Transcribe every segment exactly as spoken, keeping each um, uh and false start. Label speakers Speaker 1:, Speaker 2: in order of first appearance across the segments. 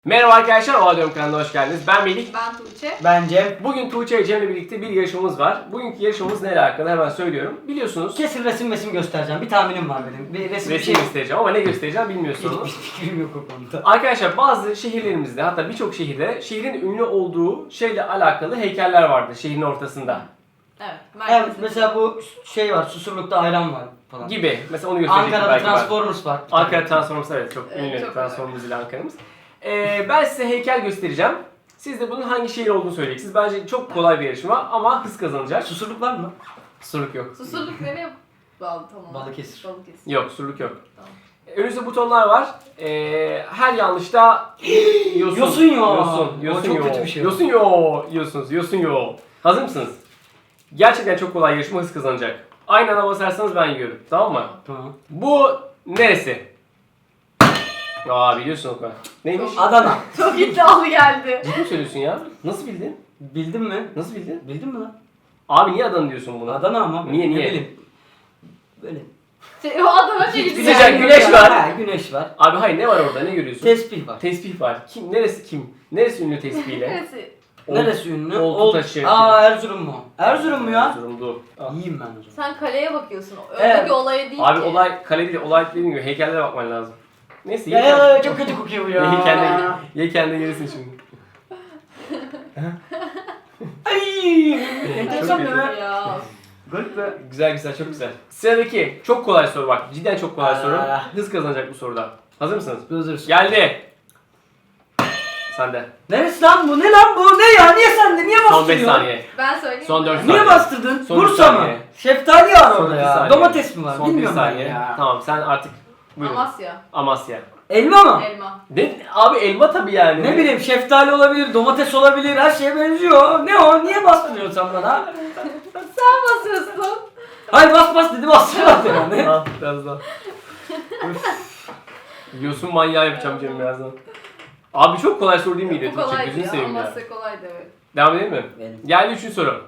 Speaker 1: Merhaba arkadaşlar, Oha Diyorum kanalına hoş geldiniz. Ben Melih.
Speaker 2: Ben Tuğçe.
Speaker 3: Ben Cem.
Speaker 1: Bugün Tuğçe ve Cem'le birlikte bir yarışmamız var. Bugünkü yarışmamız neyle alakalı hemen söylüyorum. Biliyorsunuz
Speaker 3: Kesin resim resim göstereceğim. Bir tahminim var benim. Bir resim,
Speaker 1: resim
Speaker 3: bir şey.
Speaker 1: göstereceğim ama ne göstereceğim bilmiyorsunuz.
Speaker 3: Hiçbir fikrim yok o konuda.
Speaker 1: Arkadaşlar bazı şehirlerimizde, hatta birçok şehirde şehrin ünlü olduğu şeyle alakalı heykeller vardır şehrin ortasında.
Speaker 2: Evet.
Speaker 3: Evet,
Speaker 2: merkezde.
Speaker 3: mesela bu şey var, Susurluk'ta ayran var falan.
Speaker 1: Gibi. Mesela onu gösterecektim
Speaker 3: Ankara'da
Speaker 1: belki ben.
Speaker 3: Transformers var.
Speaker 1: Ankara Transformers, evet, çok
Speaker 2: Evet,
Speaker 1: ünlü
Speaker 2: çok
Speaker 1: Transformers ile Ankara'mız. Ee, ben size heykel göstereceğim. Siz de bunun hangi şehir olduğunu söyleyeceksiniz. Bence çok kolay bir yarışma ama hız kazanacak.
Speaker 3: Susurluk var mı?
Speaker 1: Surluk yok.
Speaker 2: Susurluk nereye bağlı tamam.
Speaker 3: Balıkesir.
Speaker 2: Balıkesir.
Speaker 1: Yok, surluk yok.
Speaker 2: Tamam.
Speaker 1: Önünüzde butonlar var. Ee, her yanlışta yosun.
Speaker 3: Yosun yo.
Speaker 1: Yosun.
Speaker 3: O
Speaker 1: Yosun
Speaker 3: çok
Speaker 1: yo.
Speaker 3: kötü bir şey.
Speaker 1: Yosun yo. Yiyorsunuz. Yosun yo. Hazır mısınız? Gerçekten çok kolay, yarışma hız kazanacak. Aynı anda basarsanız ben yiyorum. Tamam mı?
Speaker 3: Tamam.
Speaker 1: Bu neresi? Aa, biliyorsun o kadar. Neymiş?
Speaker 3: Adana.
Speaker 2: Çok iddialı geldi.
Speaker 1: Ciddi mi söylüyorsun ya? Nasıl bildin?
Speaker 3: Bildin mi?
Speaker 1: Nasıl bildin?
Speaker 3: Bildin mi lan?
Speaker 1: Abi niye Adana diyorsun buna?
Speaker 3: Adana ama.
Speaker 1: Niye,
Speaker 3: ne
Speaker 1: niye?
Speaker 3: bileyim. Böyle.
Speaker 2: Şey, o adama şey
Speaker 1: Sıcak,
Speaker 2: güzel.
Speaker 1: güneş var.
Speaker 3: Ha, güneş var.
Speaker 1: Abi hayır, ne var orada? Ne görüyorsun?
Speaker 3: Tesbih var.
Speaker 1: Tesbih var. Kim? Neresi kim? Neresi ünlü tesbihiyle?
Speaker 2: Neresi?
Speaker 1: Ol-
Speaker 3: Neresi ünlü?
Speaker 1: Oltu
Speaker 3: Ol-
Speaker 1: taşı.
Speaker 3: Aa, Erzurum mu? Erzurum mu ya?
Speaker 1: Erzurum'du. Ah.
Speaker 3: Yiyeyim ben o zaman.
Speaker 2: Sen kaleye bakıyorsun. Öndeki
Speaker 3: Evet.
Speaker 2: olaya değil
Speaker 1: Abi
Speaker 2: ki.
Speaker 1: olay kale değil, olay dediğim gibi heykellere bakman lazım. Neyse,
Speaker 3: Ya,
Speaker 1: ye,
Speaker 3: ya,
Speaker 1: kendi,
Speaker 3: çok kötü kokuyor bu ya.
Speaker 1: ye kendi, ye kendi gelirsin şimdi.
Speaker 3: Ay!
Speaker 1: Çok
Speaker 3: Enteresan
Speaker 1: kötü.
Speaker 3: be.
Speaker 2: Ya.
Speaker 3: Garip be.
Speaker 1: Güzel güzel, çok güzel. Sıradaki çok kolay soru bak, cidden çok kolay
Speaker 3: Aa.
Speaker 1: soru. Hız kazanacak bu soruda. Hazır mısınız?
Speaker 3: Gözürsün.
Speaker 1: Geldi. Sende.
Speaker 3: Neresi lan bu? Ne lan bu? Ne ya? Niye sende? Niye
Speaker 1: Son beş
Speaker 3: bastırıyorsun?
Speaker 1: saniye.
Speaker 2: Ben söyleyeyim.
Speaker 1: Son
Speaker 2: mi?
Speaker 1: dört
Speaker 3: Niye
Speaker 1: saniye.
Speaker 3: bastırdın?
Speaker 1: Son bir
Speaker 3: Bursa mı?
Speaker 1: saniye.
Speaker 3: Şeftali var
Speaker 1: Son
Speaker 3: orada
Speaker 1: bir
Speaker 3: ya.
Speaker 1: saniye.
Speaker 3: Domates mi var?
Speaker 1: Son bir
Speaker 3: Bilmiyorum ben
Speaker 1: saniye.
Speaker 3: ya.
Speaker 1: Tamam, sen artık buyurun.
Speaker 2: Amasya.
Speaker 1: Amasya.
Speaker 3: Elma mı?
Speaker 2: Elma.
Speaker 1: Ne? Abi elma tabii yani.
Speaker 3: Ne bileyim, şeftali olabilir, domates olabilir, her şeye benziyor. Ne o? Niye bastırıyorsun sen bana?
Speaker 2: Sen basıyorsun.
Speaker 3: Hayır, bas bas dedi, bastırmadı yani.
Speaker 1: Al biraz daha. Üf. Yosun manyağı yapacağım Cem birazdan. Abi çok kolay soru değil miydi?
Speaker 2: Bu
Speaker 1: Tuğçe?
Speaker 2: kolaydı
Speaker 1: Gözünü
Speaker 2: ya.
Speaker 1: seveyim ya.
Speaker 2: Amasya kolaydı evet.
Speaker 1: Devam edelim mi?
Speaker 3: Benim.
Speaker 1: Geldi üçüncü soru.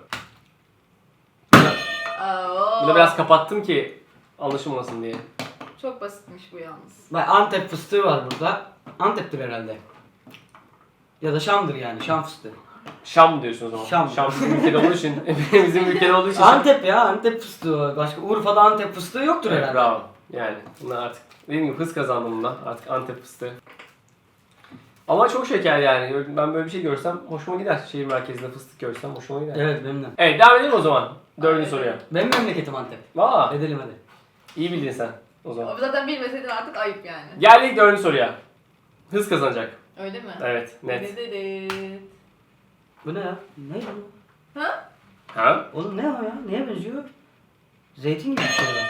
Speaker 2: Aa,
Speaker 1: Bunu biraz kapattım ki anlaşılmasın diye.
Speaker 2: Çok basitmiş bu yalnız.
Speaker 3: Bak, Antep fıstığı var burada. Antep'tir herhalde. Ya da Şam'dır yani, Şam fıstığı.
Speaker 1: Şam diyorsun o zaman.
Speaker 3: Şam.
Speaker 1: Şam bizim ülkede olduğu için, bizim ülkede olduğu için Şam.
Speaker 3: Antep ya, Antep fıstığı var. Başka Urfa'da Antep fıstığı yoktur
Speaker 1: Evet,
Speaker 3: herhalde.
Speaker 1: bravo. Yani bunlar artık dediğim gibi hız kazandım bundan. Artık Antep fıstığı. Ama çok şeker yani. Ben böyle bir şey görsem hoşuma gider. Şehir merkezinde fıstık görsem hoşuma gider. Evet,
Speaker 3: Evet, benim de.
Speaker 1: devam edelim o zaman. Dördüncü
Speaker 2: Evet.
Speaker 1: soruya.
Speaker 3: Benim memleketim Antep.
Speaker 1: Aa,
Speaker 3: Edelim hadi.
Speaker 1: iyi bildin sen o zaman.
Speaker 2: Abi zaten bilmeseydin artık ayıp yani.
Speaker 1: Geldik dördüncü soruya. Hız kazanacak.
Speaker 2: Öyle mi?
Speaker 1: Evet, net.
Speaker 2: Dededet.
Speaker 3: Bu ne ya? Ne bu?
Speaker 2: Ha?
Speaker 1: Ha?
Speaker 3: Oğlum ne o ya? Neye benziyor? Zeytin gibi bir şey var.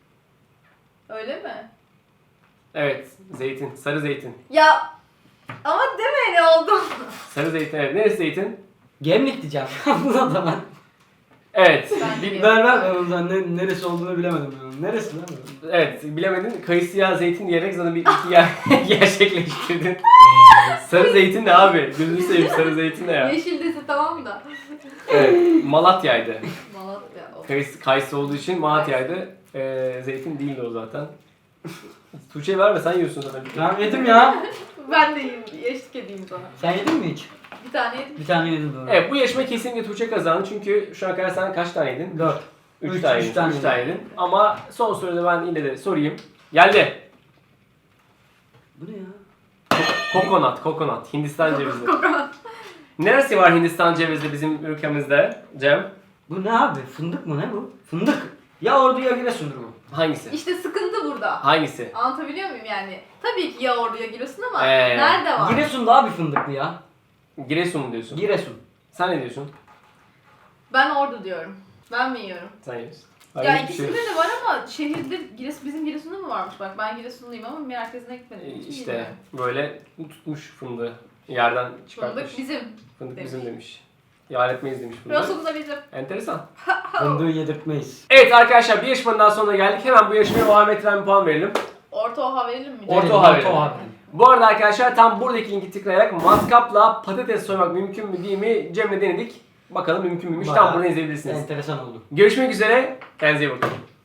Speaker 2: Öyle mi?
Speaker 1: Evet, zeytin. Sarı zeytin.
Speaker 2: Ya ama deme ne oldu?
Speaker 1: Sarı zeytin, evet. Neresi zeytin?
Speaker 3: Gemlik diyeceğim. Buna da ben.
Speaker 1: Evet.
Speaker 2: Ben
Speaker 1: Bil-
Speaker 2: de-
Speaker 3: Ver ver ben ondan ne, neresi olduğunu bilemedim. Ben. Neresi lan bu?
Speaker 1: evet, bilemedin. Kayısıya zeytin diyerek sana bir iki yer gerçekleştirdin. Sarı zeytin ne abi? Gözünü seveyim, sarı zeytin ne ya?
Speaker 2: Yeşil dese tamam da.
Speaker 1: Evet, Malatya'ydı.
Speaker 2: Malatya. Of.
Speaker 1: Kayısı, kayısı olduğu için Malatya'ydı. Ee, zeytin değildi o zaten. Tuğçe'ye verme, sen yiyorsun zaten.
Speaker 3: Ben yedim ya.
Speaker 2: Ben de yiyeyim, eşlik edeyim sana.
Speaker 3: Sen yedin mi hiç?
Speaker 2: Bir tane yedim.
Speaker 3: Bir tane yedim doğru.
Speaker 1: Evet, bu yarışma kesinlikle Tuğçe kazandı çünkü şu ana kadar sen kaç tane yedin?
Speaker 3: Dört.
Speaker 1: Üç,
Speaker 3: Üç,
Speaker 1: tane
Speaker 3: üç
Speaker 1: yedin.
Speaker 3: tane
Speaker 1: Üç tane
Speaker 3: yedim.
Speaker 1: yedin. Ama son soruda ben yine de sorayım. Geldi.
Speaker 3: Bu ne ya?
Speaker 1: Kokonat, kokonat. Hindistan cevizi.
Speaker 2: Kokonat.
Speaker 1: Neresi var Hindistan cevizi bizim ülkemizde Cem?
Speaker 3: Bu ne abi? Fındık mı ne bu? Fındık. Ya Ordu ya Giresun'dur bu.
Speaker 1: Hangisi?
Speaker 2: İşte sıkıntı burada.
Speaker 1: Hangisi?
Speaker 2: Anlatabiliyor muyum yani? Tabii ki ya orduya giriyorsun ama
Speaker 1: Ee,
Speaker 2: nerede var?
Speaker 3: Giresun daha bir fındıklı ya.
Speaker 1: Giresun mu diyorsun?
Speaker 3: Giresun.
Speaker 1: Sen ne diyorsun?
Speaker 2: Ben ordu diyorum. Ben mi yiyorum?
Speaker 1: Sen yiyorsun.
Speaker 2: Ya
Speaker 1: Hayır, hiçbir
Speaker 2: ikisinde
Speaker 1: şey.
Speaker 2: de var ama şehirde Giresun, bizim Giresun'da mı varmış bak ben Giresunluyum ama merkezine gitmedim.
Speaker 1: Ee,
Speaker 2: Hiç
Speaker 1: İşte
Speaker 2: bilmiyorum.
Speaker 1: böyle tutmuş fındığı. Yerden çıkartmış.
Speaker 2: Fındık bizim.
Speaker 1: Fındık
Speaker 2: demiş.
Speaker 1: bizim demiş. Yar etmeyiz demiş fındık.
Speaker 2: Giresun da bizim.
Speaker 1: Enteresan.
Speaker 3: Fındığı yedirtmeyiz.
Speaker 1: Evet arkadaşlar, bir yarışmanın daha sonuna geldik. Hemen bu yarışmaya Muhammed Etren bir puan verelim.
Speaker 2: Orta oha verelim mi?
Speaker 1: Orta
Speaker 3: Evet,
Speaker 1: oha verelim.
Speaker 3: oha.
Speaker 1: Bu arada arkadaşlar tam buradaki linki tıklayarak matkapla patates soymak mümkün mü değil mi Cem'le denedik. Bakalım mümkün müymüş. Tam
Speaker 3: Bayağı
Speaker 1: buradan izleyebilirsiniz.
Speaker 3: Enteresan oldu.
Speaker 1: Görüşmek üzere. Kendinize iyi bakın.